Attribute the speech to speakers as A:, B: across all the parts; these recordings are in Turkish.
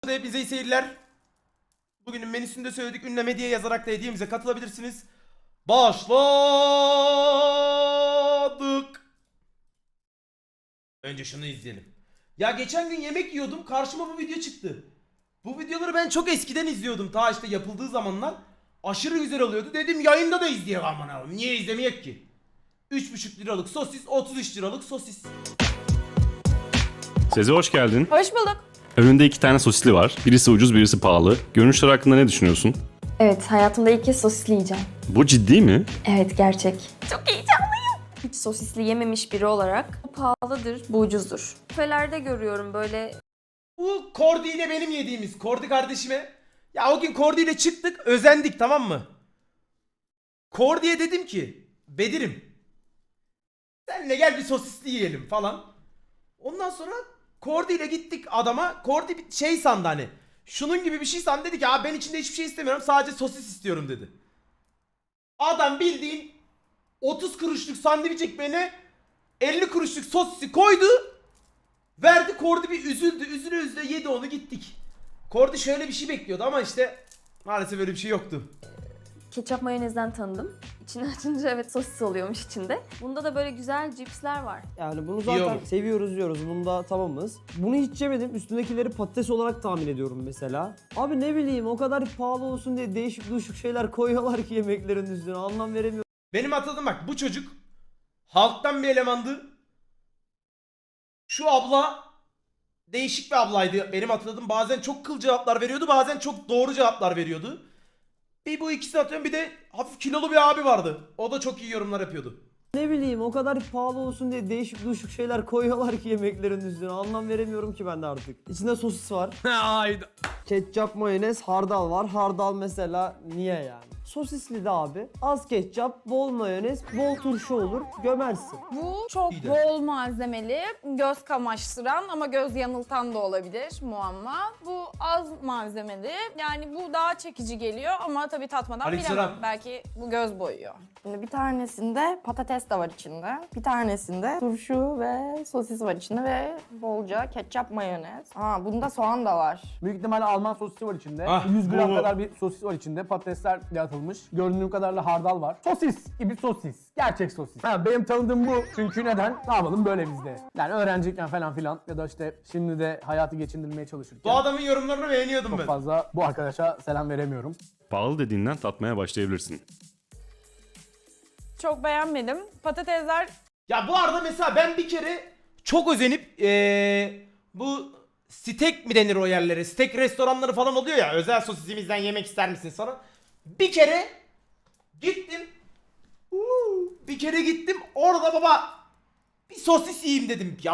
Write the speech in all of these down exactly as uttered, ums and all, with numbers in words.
A: Hepinize iyi seyirler. Bugünün menüsünde söyledik. Ünleme diye yazarak da hediyemize katılabilirsiniz. Başladık. Önce şunu izleyelim. Ya geçen gün yemek yiyordum. Karşıma bu video çıktı. Bu videoları ben çok eskiden izliyordum. Ta işte yapıldığı zamanlar. Aşırı güzel oluyordu. Dedim yayında da izleyelim aman abi. Niye izlemeyek ki? üç buçuk liralık sosis, otuz üç liralık sosis.
B: Seze hoş geldin.
C: Hoş bulduk.
B: Önünde iki tane sosisli var. Birisi ucuz, birisi pahalı. Görünüşler hakkında ne düşünüyorsun?
C: Evet, hayatımda ilk kez sosisli yiyeceğim.
B: Bu ciddi mi?
C: Evet, gerçek. Çok heyecanlıyım. Hiç sosisli yememiş biri olarak bu pahalıdır, bu ucuzdur. Kafelerde görüyorum böyle.
A: Bu Kordi ile benim yediğimiz. Kordi kardeşime. Ya o gün Kordi ile çıktık. Özendik, tamam mı? Kordi'ye dedim ki Bedir'im, senle gel bir sosisli yiyelim falan. Ondan sonra Kordi ile gittik adama. Kordi bir şey sandı hani. Şunun gibi bir şey sandı, dedi ki abi ben içinde hiçbir şey istemiyorum, sadece sosis istiyorum dedi. Adam bildiğin otuz kuruşluk sandviç ekmeğine elli kuruşluk sosisi koydu. Verdi. Kordi bir üzüldü. Üzüle üzüle yedi onu, gittik. Kordi şöyle bir şey bekliyordu ama işte maalesef öyle bir şey yoktu.
C: Ketçap mayonezden tanıdım. İçini açınca evet sosis oluyormuş içinde. Bunda da böyle güzel cipsler var.
D: Yani bunu zaten
A: Yiyorum.
D: seviyoruz diyoruz. Bunda tamamız. Bunu hiç yemedim. Üstündekileri patates olarak tahmin ediyorum mesela. Abi ne bileyim, o kadar pahalı olsun diye değişik düşük şeyler koyuyorlar ki yemeklerin üstüne. Anlam veremiyorum.
A: Benim hatırladığım bak, bu çocuk halktan bir elemandı. Şu abla değişik bir ablaydı. Benim hatırladığım, bazen çok kıl cevaplar veriyordu, bazen çok doğru cevaplar veriyordu. Bir bu ikisini atıyorum, bir de hafif kilolu bir abi vardı. O da çok iyi yorumlar yapıyordu.
D: Ne bileyim, o kadar pahalı olsun diye değişik düşük şeyler koyuyorlar ki yemeklerin üstüne. Anlam veremiyorum ki ben de artık. İçinde sosis var.
A: Hayda.
D: Ketçap, mayonez, hardal var. Hardal mesela niye yani? Sosisli de abi. Az ketçap, bol mayonez, bol turşu olur. Gömersin.
E: Bu çok
A: İyi de.
E: bol malzemeli, göz kamaştıran ama göz yanıltan da olabilir muamma. Bu az malzemeli, yani bu daha çekici geliyor ama tabii tatmadan
A: Aleykümselam.
E: bilemem. Belki bu göz boyuyor.
F: Şimdi bir tanesinde patates de var içinde. Bir tanesinde turşu ve sosis var içinde ve bolca ketçap, mayonez. Ha, bunda soğan da var.
G: Büyük ihtimalle Alman sosisi var içinde.
A: Ah,
G: yüz gram
A: bu-
G: kadar bir sosis var içinde. Patatesler atılmış. Göründüğü kadarıyla hardal var. Sosis gibi sosis. Gerçek sosis. Ha, benim tanıdığım bu. Çünkü neden? Ne yapalım böyle bizde. Yani öğrenciyken falan filan ya da işte şimdi de hayatı geçindirmeye çalışırken.
A: Bu adamın yorumlarını beğeniyordum
G: Çok
A: ben.
G: fazla bu arkadaşa selam veremiyorum.
B: Pahalı dediğinden tatmaya başlayabilirsin.
E: Çok beğenmedim. Patatesler
A: Ya bu arada mesela ben bir kere çok özenip ee, bu steak mi denir o yerlere? Steak restoranları falan oluyor ya. Özel sosisimizden yemek ister misiniz sonra? Bir kere gittim. Uuu, bir kere gittim. Orada baba bir sosis yiyeyim dedim. Ya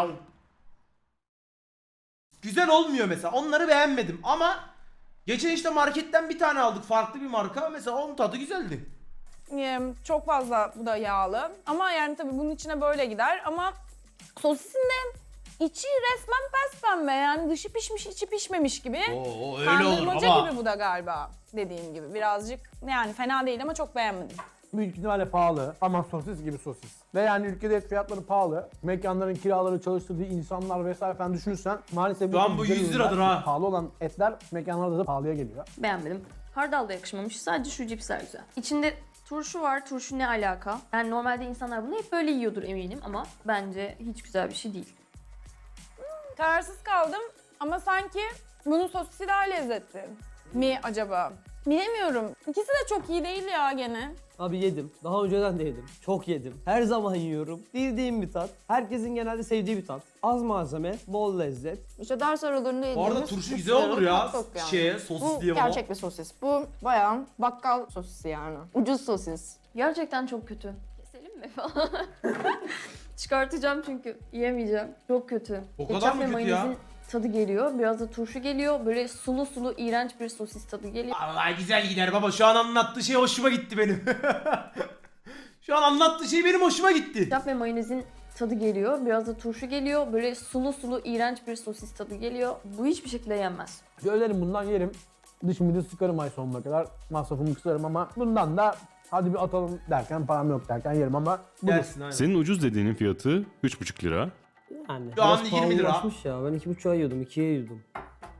A: güzel olmuyor mesela. Onları beğenmedim ama geçen işte marketten bir tane aldık. Farklı bir marka. Mesela onun tadı güzeldi.
E: e, çok fazla, bu da yağlı. Ama yani tabii bunun içine böyle gider ama sosisin de içi resmen pembe, yani dışı pişmiş içi pişmemiş gibi.
A: Oo,
E: Kandırmaca gibi bu da galiba, dediğim gibi birazcık, yani fena değil ama çok beğenmedim.
G: Büyük ihtimalle pahalı ama sosis gibi sosis. Ve yani ülkede et fiyatları pahalı. Mekanların kiraları, çalıştırdığı insanlar vesaire falan düşünürsen maalesef
A: Şu an bu
G: güzel
A: yüz
G: ürünler,
A: liradır ha.
G: pahalı olan etler mekanlarda da pahalıya geliyor.
C: Beğenmedim. Hardal da yakışmamış. Sadece şu cipsler güzel. İçinde turşu var. Turşu ne alaka? Yani normalde insanlar bunu hep böyle yiyordur eminim ama bence hiç güzel bir şey değil.
E: Kararsız kaldım ama sanki bunun sosisi daha lezzetli mi acaba? Bilemiyorum. İkisi de çok iyi değil ya gene.
D: Abi yedim. Daha önceden de yedim. Çok yedim. Her zaman yiyorum. Bildiğim bir tat. Herkesin genelde sevdiği bir tat. Az malzeme, bol lezzet.
F: İşte ders aralarında
A: Bu
F: yediğimiz...
A: arada turşu
F: üç
A: güzel olur
F: liralık
A: ya.
F: hot dog yani.
A: Şeye, sosis
F: Bu
A: diye baba.
F: gerçek bir sosis. Bu bayağı bakkal sosisi yani. Ucuz sosis.
C: Gerçekten çok kötü. Keselim mi falan? Çıkartacağım çünkü yiyemeyeceğim. Çok kötü.
A: O kadar
C: Ketçap
A: mı
C: ve
A: kötü
C: mayonezin
A: ya?
C: tadı geliyor. Biraz da turşu geliyor. Böyle sulu sulu iğrenç bir sosis tadı geliyor.
A: Vallahi güzel gider baba. Şu an anlattığı şey hoşuma gitti benim. Şu an anlattığı şey benim hoşuma gitti.
C: Ketçap ve mayonezin tadı geliyor. Biraz da turşu geliyor. Böyle sulu sulu iğrenç bir sosis tadı geliyor. Bu hiçbir şekilde yenmez.
G: Söylerim bundan yerim. Dışımı da sıkarım ay sonuna kadar. Masrafımı kısarım ama bundan da hadi bir atalım derken, param yok derken yerim ama budur.
A: Gelsin aynen.
B: Senin ucuz dediğinin fiyatı üç buçuk lira.
D: Yani
A: Şu an
D: biraz
A: yirmi lira.
D: pahalılaşmış ya. Ben iki buçuğa yiyordum, ikiye yiyordum.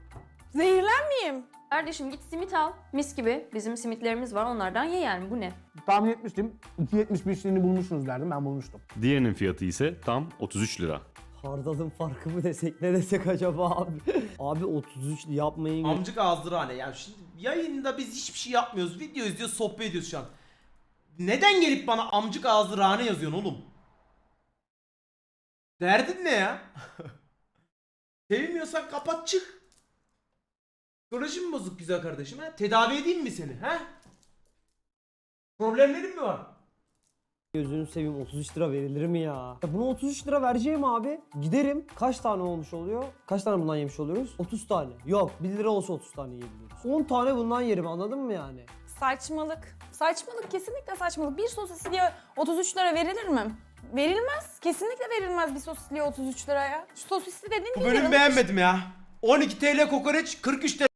E: Zehirlenmeyeyim.
C: Kardeşim git simit al. Mis gibi. Bizim simitlerimiz var. Onlardan ye yani. Bu ne?
G: Tahmin etmiştim. iki yetmiş beşliğini bulmuşsunuz derdim. Ben bulmuştum.
B: Diğerinin fiyatı ise tam otuz üç lira.
D: Hardalın farkı mı desek ne desek acaba abi? Abi otuz üç yapmayın.
A: Amcık ağızdırhane. Ya şimdi yayında biz hiçbir şey yapmıyoruz. Video izliyoruz, sohbet ediyoruz şu an. Neden gelip bana amcık ağızdırhane yazıyorsun oğlum? Derdin ne ya? Sevmiyorsan kapat çık. Psikolojin mi bozuk güzel kardeşim ha? Tedavi edeyim mi seni ha? Problemlerin mi var?
D: Gözünü seveyim otuz üç lira verilir mi ya? Ya buna otuz üç lira vereceğim abi. Giderim. Kaç tane olmuş oluyor? Kaç tane bundan yemiş oluyoruz? otuz tane. Yok bir lira olsa otuz tane yiyebiliyoruz. on tane bundan yerim anladın mı yani?
E: Saçmalık. Saçmalık, kesinlikle saçmalık. Bir sosisliye otuz üç lira verilir mi? Verilmez. Kesinlikle verilmez bir sosisliye otuz üç liraya. Şu sosisli dediğin
A: Bu
E: bir
A: bölümü
E: yarım-
A: beğenmedim ya. on iki T L kokoreç, kırk üç T